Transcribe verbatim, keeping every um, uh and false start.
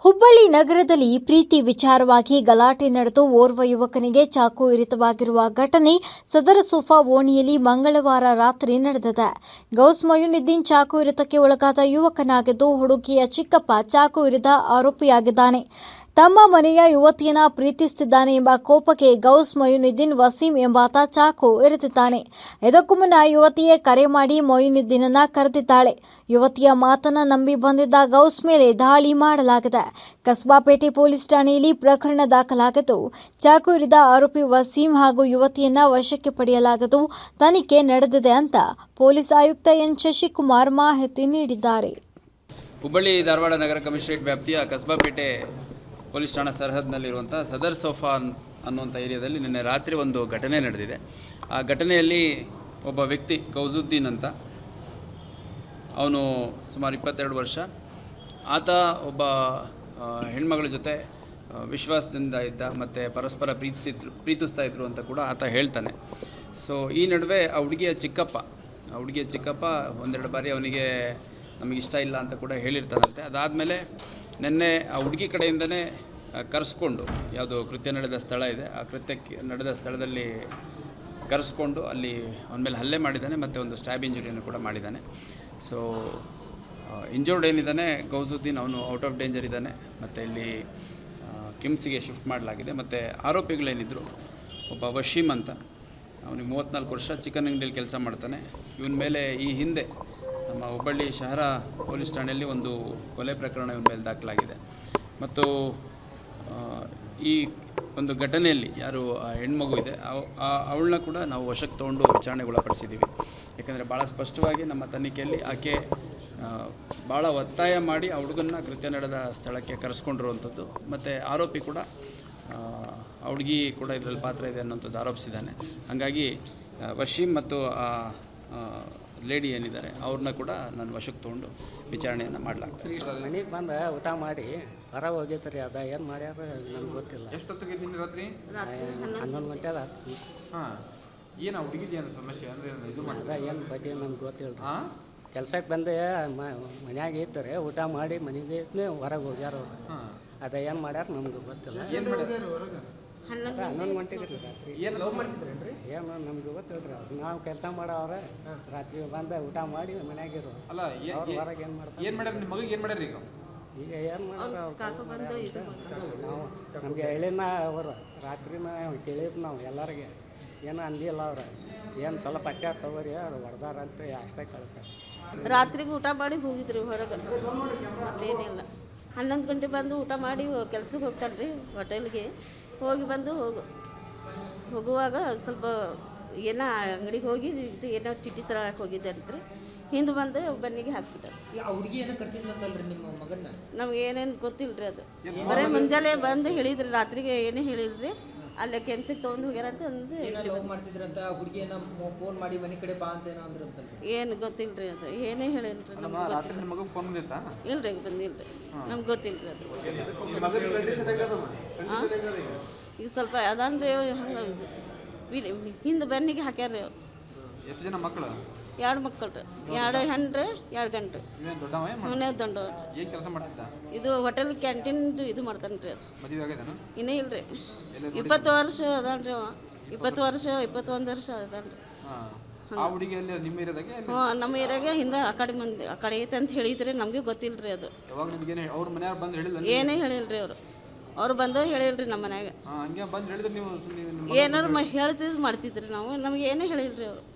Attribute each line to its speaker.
Speaker 1: ಹುಬ್ಬಳ್ಳಿ ನಗರದಲ್ಲಿ ಪ್ರೀತಿ ವಿಚಾರವಾಗಿ ಗಲಾಟೆ ನಡೆದು ಓರ್ವ ಯುವಕನಿಗೆ ಚಾಕು ಇರಿತವಾಗಿರುವ ಘಟನೆ ಸದರ ಸೋಫಾ ಓಣಿಯಲ್ಲಿ ಮಂಗಳವಾರ ರಾತ್ರಿ ನಡೆದಿದೆ. ಗೌಸ್ ಮೊಯಿನುದ್ದೀನ್ ಚಾಕು ಇರಿತಕ್ಕೆ ಒಳಗಾದ ಯುವಕನಾಗಿದ್ದು, ಹುಡುಗಿಯ ಚಿಕ್ಕಪ್ಪ ಚಾಕು ಇರಿದ ಆರೋಪಿಯಾಗಿದ್ದಾನೆ. ತಮ್ಮ ಮನೆಯ ಯುವತಿಯನ್ನ ಪ್ರೀತಿಸುತ್ತಿದ್ದಾನೆ ಎಂಬ ಕೋಪಕ್ಕೆ ಗೌಸ್ ಮೊಯಿನುದ್ದೀನ್ ವಸೀಂ ಎಂಬಾತ ಚಾಕು ಇರಿದಿದ್ದಾನೆ. ಇದಕ್ಕೂ ಮುನ್ನ ಯುವತಿಯೇ ಕರೆ ಮಾಡಿ ಮೊಯಿನುದ್ದೀನನ್ನ ಕರೆದಿದ್ದಾಳೆ. ಯುವತಿಯ ಮಾತನ್ನ ನಂಬಿ ಬಂದಿದ್ದ ಗೌಸ್ ಮೇಲೆ ದಾಳಿ ಮಾಡಲಾಗಿದೆ. ಕಸಬಾಪೇಟೆ ಪೊಲೀಸ್ ಠಾಣೆಯಲ್ಲಿ ಪ್ರಕರಣ ದಾಖಲಾಗಿದ್ದು, ಚಾಕು ಇರಿದ ಆರೋಪಿ ವಸೀಂ ಹಾಗೂ ಯುವತಿಯನ್ನ ವಶಕ್ಕೆ ಪಡೆಯಲಾಗಿದ್ದು, ತನಿಖೆ ನಡೆದಿದೆ ಅಂತ ಪೊಲೀಸ್ ಆಯುಕ್ತ ಎನ್ ಶಶಿಕುಮಾರ್ ಮಾಹಿತಿ ನೀಡಿದ್ದಾರೆ.
Speaker 2: ಹುಬ್ಬಳ್ಳಿ ಧಾರವಾಡ ನಗರ ಕಮಿಷನರೇಟ್ ವ್ಯಾಪ್ತಿಯ ಕಸಬಾಪೇಟೆ ಪೊಲೀಸ್ ಠಾಣಾ ಸರಹದ್ದಿನಲ್ಲಿರುವಂಥ ಸದರ್ ಸೋಫಾ ಅನ್ನುವಂಥ ಏರಿಯಾದಲ್ಲಿ ನಿನ್ನೆ ರಾತ್ರಿ ಒಂದು ಘಟನೆ ನಡೆದಿದೆ. ಆ ಘಟನೆಯಲ್ಲಿ ಒಬ್ಬ ವ್ಯಕ್ತಿ ಗೌಸುದ್ದೀನ್ ಅಂತ, ಅವನು ಸುಮಾರು ಇಪ್ಪತ್ತೆರಡು ವರ್ಷ. ಆತ ಒಬ್ಬ ಹೆಣ್ಮಗಳ ಜೊತೆ ವಿಶ್ವಾಸದಿಂದ ಇದ್ದ ಮತ್ತು ಪರಸ್ಪರ ಪ್ರೀತಿಸಿದ್ರು ಪ್ರೀತಿಸ್ತಾ ಇದ್ರು ಅಂತ ಕೂಡ ಆತ ಹೇಳ್ತಾನೆ. ಸೊ ಈ ನಡುವೆ ಆ ಹುಡುಗಿಯ ಚಿಕ್ಕಪ್ಪ ಆ ಹುಡುಗಿಯ ಚಿಕ್ಕಪ್ಪ ಒಂದೆರಡು ಬಾರಿ ಅವನಿಗೆ ನಮಗಿಷ್ಟ ಇಲ್ಲ ಅಂತ ಕೂಡ ಹೇಳಿರ್ತಾನಂತೆ. ಅದಾದಮೇಲೆ ನಿನ್ನೆ ಆ ಹುಡುಗಿ ಕಡೆಯಿಂದನೇ ಕರೆಸ್ಕೊಂಡು, ಯಾವುದೋ ಕೃತ್ಯ ನಡೆದ ಸ್ಥಳ ಇದೆ, ಆ ಕೃತ್ಯಕ್ಕೆ ನಡೆದ ಸ್ಥಳದಲ್ಲಿ ಕರೆಸ್ಕೊಂಡು ಅಲ್ಲಿ ಅವನ ಮೇಲೆ ಹಲ್ಲೆ ಮಾಡಿದ್ದಾನೆ ಮತ್ತು ಒಂದು ಸ್ಟ್ಯಾಬ್ ಇಂಜುರಿಯನ್ನು ಕೂಡ ಮಾಡಿದ್ದಾನೆ. ಸೊ ಇಂಜೂರ್ಡ್ ಏನಿದ್ದಾನೆ ಗೌಸುದ್ದೀನ್, ಅವನು ಔಟ್ ಆಫ್ ಡೇಂಜರ್ ಇದ್ದಾನೆ ಮತ್ತು ಇಲ್ಲಿ ಕಿಮ್ಸಿಗೆ ಶಿಫ್ಟ್ ಮಾಡಲಾಗಿದೆ. ಮತ್ತು ಆರೋಪಿಗಳೇನಿದ್ರು, ಒಬ್ಬ ವಶೀಮ್ ಅಂತ, ಅವನಿಗೆ ಮೂವತ್ತ್ನಾಲ್ಕು ವರ್ಷ, ಚಿಕನ್ ಅಂಗಡಿಯಲ್ಲಿ ಕೆಲಸ ಮಾಡ್ತಾನೆ. ಇವನ ಮೇಲೆ ಈ ಹಿಂದೆ ನಮ್ಮ ಹುಬ್ಬಳ್ಳಿ ಶಹರ ಪೊಲೀಸ್ ಠಾಣೆಯಲ್ಲಿ ಒಂದು ಕೊಲೆ ಪ್ರಕರಣ ಇವನ ಮೇಲೆ ದಾಖಲಾಗಿದೆ. ಮತ್ತು ಈ ಒಂದು ಘಟನೆಯಲ್ಲಿ ಯಾರು ಆ ಹೆಣ್ಮಗು ಇದೆ ಅವಳನ್ನ ಕೂಡ ನಾವು ವಶಕ್ಕೆ ತೊಗೊಂಡು ವಿಚಾರಣೆಗೊಳಪಡಿಸಿದ್ದೀವಿ. ಯಾಕಂದರೆ ಭಾಳ ಸ್ಪಷ್ಟವಾಗಿ ನಮ್ಮ ತನಿಖೆಯಲ್ಲಿ ಆಕೆ ಭಾಳ ಒತ್ತಾಯ ಮಾಡಿ ಆ ಹುಡುಗನ್ನ ಕೃತ್ಯ ನಡೆದ ಸ್ಥಳಕ್ಕೆ ಕರೆಸ್ಕೊಂಡಿರುವಂಥದ್ದು, ಮತ್ತು ಆರೋಪಿ ಕೂಡ ಆ ಹುಡುಗಿ ಕೂಡ ಇದರಲ್ಲಿ ಪಾತ್ರ ಇದೆ ಅನ್ನೋಂಥದ್ದು ಆರೋಪಿಸಿದ್ದಾನೆ. ಹಾಗಾಗಿ ವಶೀಮ್ ಮತ್ತು ಆ ಲೇಡಿ ಏನಿದ್ದಾರೆ ಅವ್ರನ್ನ ಕೂಡ ನಾನು ವಶಕ್ಕೆ ತೊಗೊಂಡು ವಿಚಾರಣೆಯನ್ನು ಮಾಡಲಾಗ್ತದೆ.
Speaker 3: ಮನೆಗೆ ಬಂದು ಊಟ ಮಾಡಿ ಹೊರ ಹೋಗೈತ್ರಿ. ಅದ ಏನು ಮಾಡ್ಯಾರ ನನಗೆ ಗೊತ್ತಿಲ್ಲ.
Speaker 4: ಎಷ್ಟೊತ್ತಿಗೆ ನಿನ್ನೆ ರಾತ್ರಿ?
Speaker 3: ಹನ್ನೊಂದು ಗಂಟೆ ಅದ.
Speaker 4: ಹಾಂ, ಏನು ಹುಡುಗಿದ ಏನು ಸಮಸ್ಯೆ ಅಂದರೆ ಇದು
Speaker 3: ಅದ ಏನು ಬಗ್ಗೆ ನಮ್ಗೆ ಗೊತ್ತಿಲ್ಲ. ಹಾಂ, ಕೆಲ್ಸಕ್ಕೆ ಬಂದೆ ಮನ್ಯಾಗ ಇರ್ತಾರೆ, ಊಟ ಮಾಡಿ ಮನೆಗೆ ಹೊರಗೆ ಹೋಗ್ಯಾರ ಅವ್ರು. ಹಾಂ, ಅದ ಏನು ಮಾಡ್ಯಾರ ನಮ್ಗೆ ಗೊತ್ತಿಲ್ಲ.
Speaker 4: ಏನು ಮಾಡಿದ್ರು ಹೊರಗೆ?
Speaker 3: ಹನ್ನೊಂದು ಗಂಟೆಗೆ ರೀ ರಾತ್ರಿ.
Speaker 4: ಏನು ಲವ್ ಮಾಡ್ತಿದ್ರೇನ್ರಿ?
Speaker 3: ಏನು ನಮ್ಗೆ ಗೊತ್ತಿಲ್ಲ. ನಾವು ಕೆಲಸ ಮಾಡೋವ್ರೆ, ರಾತ್ರಿ ಬಂದು ಊಟ ಮಾಡಿ ಮನ್ಯಾಗಿರೋ.
Speaker 4: ಅಲ್ಲ,
Speaker 3: ಅವ್ರು ಹೊರಗೆ ಏನು ಮಾಡ್ತಾರೆ?
Speaker 4: ಏನು ಮಾಡ್ಯಾರ ನಿಮ್ಮ ಮಗಿಗೆ? ಏನು ಮಾಡ್ಯಾರ ಈಗ?
Speaker 3: ಈಗ ಏನು ಮಾಡ್ಯಾರ ನಾವು ನಮಗೆ ಹೇಳಿನ ಅವರು ರಾತ್ರಿನ ಕೇಳಿದ್ರು ನಾವು ಎಲ್ಲರಿಗೆ. ಏನು ಅಂದಿಲ್ಲ ಅವ್ರು. ಏನು ಸ್ವಲ್ಪ ಅಚ್ಚಾರ ತಗೋರಿ ಅವ್ರು ಹೊಡೆದಾರಂತ ಅಷ್ಟೇ ಕಳ್ತಾರೆ.
Speaker 5: ರಾತ್ರಿಗೆ ಊಟ ಮಾಡಿ ಹೋಗಿದ್ರಿ ಹೊರಗೆ, ಮತ್ತೇನಿಲ್ಲ. ಹನ್ನೊಂದು ಗಂಟೆ ಬಂದು ಊಟ ಮಾಡಿ ಕೆಲ್ಸಕ್ಕೆ ಹೋಗ್ತಾನೆ ರೀ ಹೋಟೆಲ್ಗೆ. ಹೋಗಿ ಬಂದು ಹೋಗು ಹೋಗುವಾಗ ಸ್ವಲ್ಪ ಏನೋ ಅಂಗಡಿಗೆ ಹೋಗಿ ಇದು ಏನೋ ಚೀಟಿ ತರಕ್ಕೆ ಹೋಗಿದ್ದೆ ಅಂತ್ರಿ. ಹಿಂದೆ ಬಂದು ಬನ್ನಿಗೆ ಹಾಕ್ಬಿಟ್ಟಾರೆ.
Speaker 6: ಹುಡುಗಿ ಏನೋ ಕರ್ಸಿದ್ಲಂತಲ್ರಿ ನಿಮ್ಮ ಮಗನ್ನ?
Speaker 5: ನಮ್ಗೆ ಏನೇನು ಗೊತ್ತಿಲ್ಲ ರೀ. ಅದು ಬರೀ ಮುಂಜಾನೆ ಬಂದು ಹೇಳಿದ್ರಿ, ರಾತ್ರಿಗೆ ಏನೇ ಹೇಳಿದ್ರಿ. ಅಲ್ಲೇ ಕೆನ್ಸಿಗೆ ತೊಗೊಂಡು ಹೋಗ್ಯಾರ ಅಂತ ಒಂದು
Speaker 6: ಲವ್ ಮಾಡ್ತಿದ್ರಂತ. ಹುಡುಗಿ ಏನೋ ಫೋನ್ ಮಾಡಿ ಮನೆ ಕಡೆ ಬಾ ಅಂತ ಏನೋ ಅಂದ್ರಂತಲ್ರಿ?
Speaker 5: ಏನು ಗೊತ್ತಿಲ್ಲ ರೀ. ಅದು ಏನೇ ಹೇಳಿಲ್ರಿ ನಮ್ಗೆ.
Speaker 4: ರಾತ್ರಿ ನಿಮ್ಮ ಮಗ ಫೋನ್ ಬಂದಿತ್ತಾ?
Speaker 5: ಇಲ್ರಿ, ಬಂದಿಲ್ಲ ರೀ. ನಮ್ಗೆ ಗೊತ್ತಿಲ್ಲ ರೀ ಅದು. ಈಗ ಸ್ವಲ್ಪ ಅದಾನ್ರಿ ಹಂಗೆ ಹಿಂದೆ ಬೆನ್ನಿಗೆ ಹಾಕ್ಯಾರ್ರಿ ಅವ್ರು.
Speaker 4: ಎಷ್ಟು ಜನ ಮಕ್ಕಳು?
Speaker 5: ಎರಡು ಮಕ್ಕಳು ರೀ, ಎರಡು ಹೆಣ್ರಿ, ಎರಡು ಗಂಟು.
Speaker 4: ಇವನೇ
Speaker 5: ದೊಡ್ಡವ. ದೊಡ್ಡವ.
Speaker 4: ಏನು ಕೆಲಸ ಮಾಡ್ತಿದ್ದ?
Speaker 5: ಇದು ಹೋಟೆಲ್ ಕ್ಯಾಂಟೀನ್ದು ಇದು ಮಾಡ್ತಾನೆ ರೀ. ಅದು
Speaker 4: ಮದುವೆ ಆಗ್ಯದನ?
Speaker 5: ಇನ್ನೇ ಇಲ್ರಿ. ಇಪ್ಪತ್ತು ವರ್ಷ ಅದಾನ್ರಿ ಅವ. ಇಪ್ಪತ್ತು ವರ್ಷ ಇಪ್ಪತ್ತೊಂದು ವರ್ಷ ಅದಾನ್ರಿ.
Speaker 4: ಆ ಹುಡುಗಿಯಲ್ಲಿ ನಿಮ್ಮ ಏರಿಯಾದಾಗೆ?
Speaker 5: ಹ್ಞೂ, ನಮ್ಮ ಏರಿಯಾಗೆ ಹಿಂದೆ ಆ ಕಡೆ ಮಂದಿ ಆ ಕಡೆ ಐತೆ ಅಂತ ಹೇಳಿದ್ರಿ. ನಮಗೆ ಗೊತ್ತಿಲ್ಲ ರೀ ಅದು.
Speaker 4: ಯಾವಾಗ ನಿಮ್ಗೇನೆ ಅವ್ರ ಮನೆಯವ್ರು ಬಂದು ಹೇಳಿಲ್ಲ?
Speaker 5: ಏನೇ ಹೇಳಿಲ್ರಿ ಅವರು. ಅವ್ರು ಬಂದು ಹೇಳಿಲ್ರಿ ನಮ್ಮ ಮನ್ಯಾಗ.
Speaker 4: ಹಂಗೆ ಬಂದು ಹೇಳಿದ್ರೆ ನೀವು
Speaker 5: ಏನಾರು ಮ ಹೇಳ್ತಿದ್ದು ಮಾಡ್ತಿದ್ರಿ ನಾವು. ನಮ್ಗೆ ಏನೇ ಹೇಳಿಲ್ರಿ ಅವರು.